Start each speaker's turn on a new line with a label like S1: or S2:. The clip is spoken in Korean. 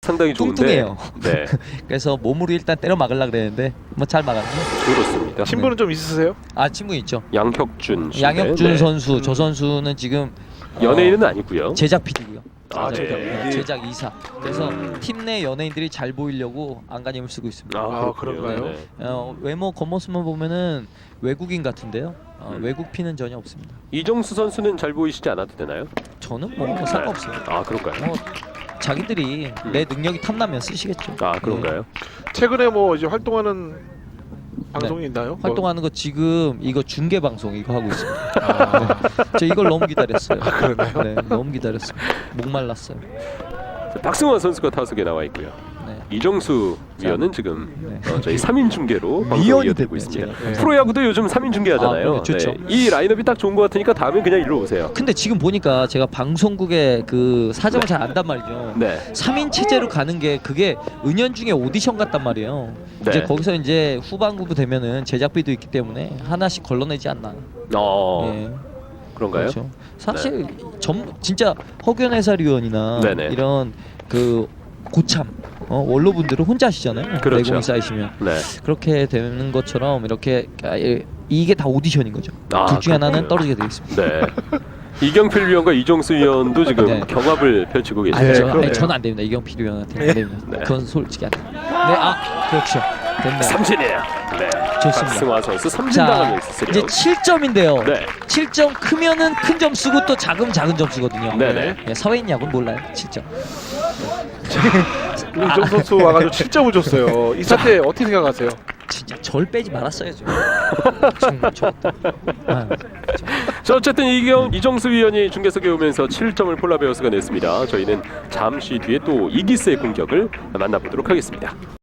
S1: 상당히 좋은데.
S2: 뚱뚱해요.
S1: 네,
S2: 그래서 몸으로 일단 때려 막으려 그랬는데 뭐 잘 막았네.
S1: 그렇습니다.
S3: 친분은 좀 있으세요?
S2: 아 친구 있죠.
S1: 양혁준 씨.
S2: 양혁준
S1: 네.
S2: 선수. 저 선수는 지금
S1: 연예인은 아니고요.
S2: 제작 PD고요.
S3: 아,
S2: 제작 이사. 그래서 팀 내 연예인들이 잘 보이려고 안간힘을 쓰고 있습니다.
S3: 아,
S1: 그렇군요.
S3: 그런가요?
S1: 네.
S2: 외모 겉모습만 보면은 외국인 같은데요. 외국 피는 전혀 없습니다.
S1: 이정수 선수는 잘 보이시지 않아도 되나요?
S2: 저는 뭐 상관없어요.
S1: 아, 그런가요?
S2: 뭐 자기들이 내 능력이 탐나면 쓰시겠죠.
S1: 아, 그런가요?
S3: 최근에 뭐 이제 활동하는 방송이 있나요?
S2: 활동하는 거 지금 이거 중계 방송 이거 하고 있습니다. 저 이걸 너무 기다렸어요.
S3: 그러나요?
S2: 네, 너무 기다렸어요. 목말랐어요.
S1: 박승환 선수가 타석에 나와 있고요.
S2: 네.
S1: 이정수 위원은 지금
S2: 네.
S1: 저희 3인 중계로 방송을
S2: 위원이
S1: 이어드리고
S2: 됐네요,
S1: 있습니다.
S2: 제가.
S1: 프로야구도 요즘 3인 중계하잖아요.
S2: 아, 좋죠.
S1: 네. 이 라인업이 딱 좋은 것 같으니까 다음에 그냥 일로 오세요.
S2: 근데 지금 보니까 제가 방송국의 그 사정을 잘 안단 말이죠.
S1: 네.
S2: 3인 체제로 가는 게 그게 은연중에 오디션 같단 말이에요.
S1: 네.
S2: 이제 거기서 이제 후반부 되면은 제작비도 있기 때문에 하나씩 걸러내지 않나. 예.
S1: 그런가요?
S2: 그렇죠. 사실 진짜 허균 해설위원이나
S1: 네네.
S2: 이런 그 고참 원로분들은 혼자 하시잖아요.
S1: 그렇죠.
S2: 내공이 쌓이시면
S1: 네.
S2: 그렇게 되는 것처럼 이렇게 이게 다 오디션인 거죠.
S1: 아,
S2: 둘 중에 하나는
S1: 그렇군요.
S2: 떨어지게 되어 있습니다.
S1: 네. 이경필 위원과 이정수 위원도 지금
S2: 네.
S1: 경합을 펼치고 계시죠.
S3: 네,
S2: 아니,
S3: 그러네요.
S2: 저는 안 됩니다. 이경필 위원한테 안 됩니다.
S1: 네.
S2: 그건 솔직히 안 됩니다. 네, 그렇죠. 됐네요.
S1: 삼진이에요. 네.
S2: 좋습니다.
S1: 박승환 선수 삼진
S2: 자,
S1: 당하면 있으세요.
S2: 이제 7점인데요.
S1: 네.
S2: 7점 크면은 큰 점 쓰고 또 작은 점수거든요.
S1: 네네.
S2: 네, 사회인 야구는 몰라요. 7점.
S3: 우리 이정수 선수 와가지고 7점을 줬어요. 이 사태 어떻게 생각하세요?
S2: 진짜 절 빼지 말았어야죠. 정말 저.
S1: 자, 어쨌든 이정수 위원이 중계석에 오면서 7점을 폴라베어스가 냈습니다. 저희는 잠시 뒤에 또 이기스의 공격을 만나보도록 하겠습니다.